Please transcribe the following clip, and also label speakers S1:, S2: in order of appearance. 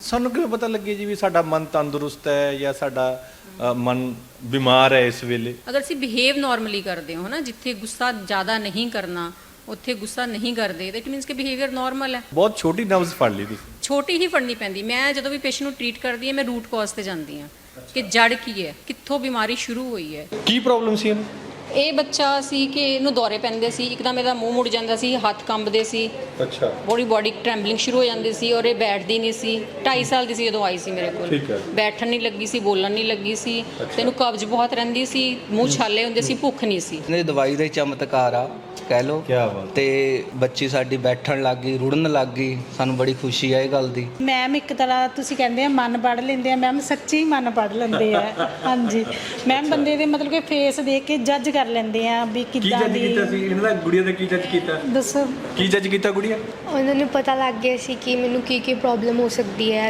S1: ਸਾਨੂੰ ਕਿਵੇਂ ਪਤਾ ਲੱਗੇ ਜੀ ਵੀ ਸਾਡਾ ਮਨ ਤੰਦਰੁਸਤ ਹੈ ਜਾਂ ਸਾਡਾ ਮਨ ਬਿਮਾਰ ਹੈ ਇਸ ਵੇਲੇ?
S2: ਅਗਰ ਅਸੀਂ ਬਿਹੇਵ ਨਾਰਮਲੀ ਕਰਦੇ ਹੋ ਨਾ, ਜਿੱਥੇ ਗੁੱਸਾ ਜ਼ਿਆਦਾ ਨਹੀਂ ਕਰਨਾ ਉੱਥੇ ਗੁੱਸਾ ਨਹੀਂ ਕਰਦੇ, ਤਾਂ ਇਟ ਮੀਨਸ ਕਿ ਬਿਹੇਵੀਅਰ ਨਾਰਮਲ ਹੈ।
S1: ਬਹੁਤ ਛੋਟੀ ਨਬਜ਼ ਫੜ ਲਈ ਤੁਸੀਂ।
S2: ਛੋਟੀ ਹੀ ਫੜਨੀ ਪੈਂਦੀ। ਮੈਂ ਜਦੋਂ ਵੀ ਪੇਸ਼ੈਂਟ ਨੂੰ ਟ੍ਰੀਟ ਕਰਦੀ ਹਾਂ, ਮੈਂ ਰੂਟ ਕਾਜ਼ ਤੇ ਜਾਂਦੀ ਹਾਂ ਕਿ ਜੜ ਕੀ ਹੈ, ਕਿੱਥੋਂ ਬਿਮਾਰੀ ਸ਼ੁਰੂ ਹੋਈ ਹੈ।
S1: ਕੀ ਪ੍ਰੋਬਲਮ ਸੀ ਇਹਨੂੰ?
S2: ਇਹ ਬੱਚਾ ਸੀ ਕਿ ਇਹਨੂੰ ਦੌਰੇ ਪੈਂਦੇ ਸੀ, ਇੱਕਦਮ ਇਹਦਾ ਮੂੰਹ ਮੁੜ ਜਾਂਦਾ ਸੀ, ਹੱਥ ਕੰਬਦੇ ਸੀ,
S1: ਅੱਛਾ।
S2: ਬੋਡੀ ਟ੍ਰੈਂਬਲਿੰਗ ਸ਼ੁਰੂ ਹੋ ਜਾਂਦੀ ਸੀ ਔਰ ਇਹ ਬੈਠਦੀ ਨਹੀਂ ਸੀ। 2.5 ਸਾਲ ਦੀ ਸੀ ਜਦੋਂ ਆਈ ਸੀ ਮੇਰੇ ਕੋਲ।
S1: ਠੀਕ ਹੈ।
S2: ਬੈਠਣ ਨਹੀਂ ਲੱਗੀ ਸੀ, ਬੋਲਣ ਨਹੀਂ ਲੱਗੀ ਸੀ, ਤੈਨੂੰ ਕਬਜ਼ ਬਹੁਤ ਰਹਿੰਦੀ ਸੀ, ਮੂੰਹ ਛਾਲੇ ਹੁੰਦੇ ਸੀ, ਭੁੱਖ ਨਹੀਂ ਸੀ।
S3: ਇਹਨੇ ਦਵਾਈ ਦਾ ਹੀ ਚਮਤਕਾਰ ਆ ਕਹਿ ਲਓ।
S1: ਕੀ ਬਾਤ।
S3: ਤੇ ਬੱਚੀ ਸਾਡੀ ਬੈਠਣ ਲੱਗ ਗਈ, ਰੁੜਨ ਲੱਗ ਗਈ, ਸਾਨੂੰ ਬੜੀ ਖੁਸ਼ੀ ਆ ਇਹ ਗੱਲ ਦੀ।
S4: ਮੈਮ ਇੱਕ ਤਰ੍ਹਾਂ ਤੁਸੀਂ ਕਹਿੰਦੇ ਆ ਮਨ ਪੜ੍ਹ ਲੈਂਦੇ ਆ, ਮੈਮ ਸੱਚੀ ਮਨ ਪੜ੍ਹ ਲੈਂਦੇ ਆ। ਹਾਂਜੀ ਮੈਮ, ਬੰਦੇ ਦੇ ਮਤਲਬ ਕਿ ਫੇਸ ਦੇਖ ਕੇ ਜੱਜ ਕਰ ਲੈਂਦੇ ਆ ਵੀ
S1: ਕੀ
S4: ਕਿੱਦਾਂ
S1: ਜੱਜ
S4: ਦੀ।
S1: ਕੀਤਾ ਸੀ ਇਹਨਾਂ ਦਾ? ਗੁੜੀਆ ਦਾ ਕੀ ਜੱਜ ਕੀਤਾ?
S4: ਦੱਸੋ।
S1: ਕੀ ਜੱਜ ਕੀਤਾ ਗੁੜੀਆ?
S5: ਉਹਨਾਂ ਨੂੰ ਪਤਾ ਲੱਗ ਗਿਆ ਸੀ ਕਿ ਮੈਨੂੰ ਕੀ ਪ੍ਰੋਬਲਮ ਹੋ ਸਕਦੀ ਹੈ।